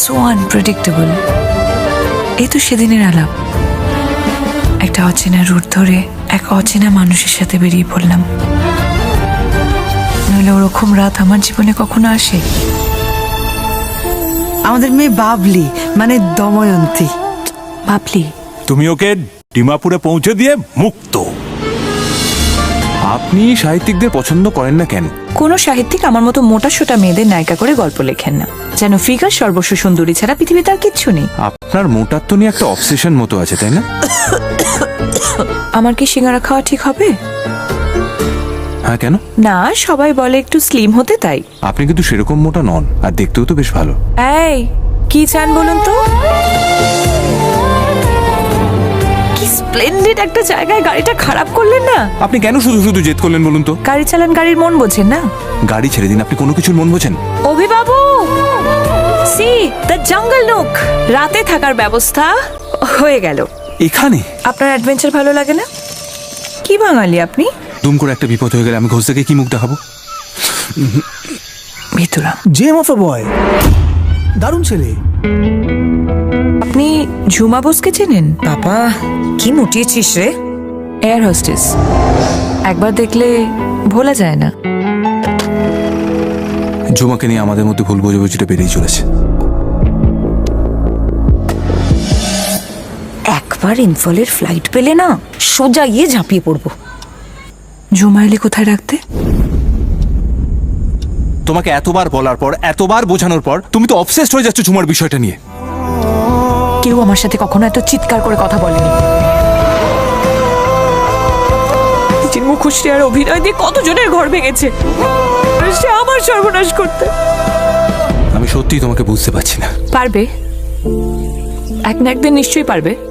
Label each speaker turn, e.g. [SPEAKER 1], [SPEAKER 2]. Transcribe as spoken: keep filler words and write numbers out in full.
[SPEAKER 1] So unpredictable. এই তো সেদিনের আলাপ, একটা অচেনা রুট ধরে এক অচেনা মানুষের সাথে বেরিয়ে পড়লাম। নইলে ওরকম রাত আমার জীবনে কখনো আসে?
[SPEAKER 2] আমাদের মেয়ে বাবলি মানে দময়ন্তী।
[SPEAKER 1] ভাবলি
[SPEAKER 3] তুমি ওকে ডিমাপুরে পৌঁছে দিয়ে মুক্ত। আপনি সাহিত্যিকদের পছন্দ করেন না কেন?
[SPEAKER 1] কোনো সাহিত্যিক আমার মতো মোটা সোটা মেয়েদের নায়িকা করে গল্প লেখেন না, যেন ফিগার সর্বস্ব সুন্দরী ছাড়া পৃথিবীতে আর কিচ্ছু নেই।
[SPEAKER 3] আপনার মোটাত্ব নিয়ে একটা অবসেশন মতো আছে, তাই না?
[SPEAKER 1] আমার কি সিঙ্গারা খাওয়া ঠিক হবে?
[SPEAKER 3] হ্যাঁ, কেন?
[SPEAKER 1] না, সবাই বলে একটু স্লিম হতে, তাই।
[SPEAKER 3] আপনি কিন্তু সেরকম মোটা নন, আর দেখতেও তো বেশ ভালো।
[SPEAKER 1] এই কি চান বলুন তো? কি স্প্লেন্ডিড একটা জায়গায় গাড়িটা খারাপ করলেন না।
[SPEAKER 3] আপনি কেন শুধু শুধু জেদ করলেন বলুন তো?
[SPEAKER 1] গাড়ি চালান, গাড়ির মন বোঝেন না।
[SPEAKER 3] গাড়ি ছেড়ে দিন, আপনি কোনো কিছুর মন বোঝেন?
[SPEAKER 1] অভিবাবু, সি দ্য জঙ্গল নুক, রাতে থাকার ব্যবস্থা হয়ে গেল
[SPEAKER 3] এখানে?
[SPEAKER 1] আপনার অ্যাডভেঞ্চার ভালো লাগে না? কি বাঙালি আপনি?
[SPEAKER 3] দুম করে একটা বিপদ হয়ে গেলে আমি ঘোষ থেকে কি মুখ দেখাবো?
[SPEAKER 1] ভিতুরা
[SPEAKER 4] জেম অফ এ বয়, দারুণ ছেলে।
[SPEAKER 1] আপনি ঝুমা বোসকে চেনেন?
[SPEAKER 2] বাবা কি মুটিয়েছিস রে।
[SPEAKER 1] এয়ার হোস্টেস, একবার দেখলে ভোলা যায় না।
[SPEAKER 3] ঝুমাকে নিয়ে আমাদের মধ্যে ভুল বোঝাবুঝিটা বেড়েই চলেছে।
[SPEAKER 2] একবার ইনফলের ফ্লাইট পেলে না সোজা গিয়ে ঝাঁপিয়ে পড়বো।
[SPEAKER 1] ঝুমা এলে কোথায় রাখতে?
[SPEAKER 3] তোমাকে এতবার বলার পর, এতবার বোঝানোর পর তুমি তো অবসেসড হয়ে যাচ্ছ ঝুমার বিষয়টা নিয়ে।
[SPEAKER 1] কেউ আমার সাথে কখনো এত চিৎকার করে কথা বলেনি। নিজের মুখশ্রী আর অভিনয় দিয়ে কতজনের ঘর ভেঙেছে, আর সে আমার সর্বনাশ করতে।
[SPEAKER 3] আমি সত্যিই তোমাকে বুঝতে পারছি না।
[SPEAKER 1] পারবে, এক না একদিন নিশ্চয়ই পারবে।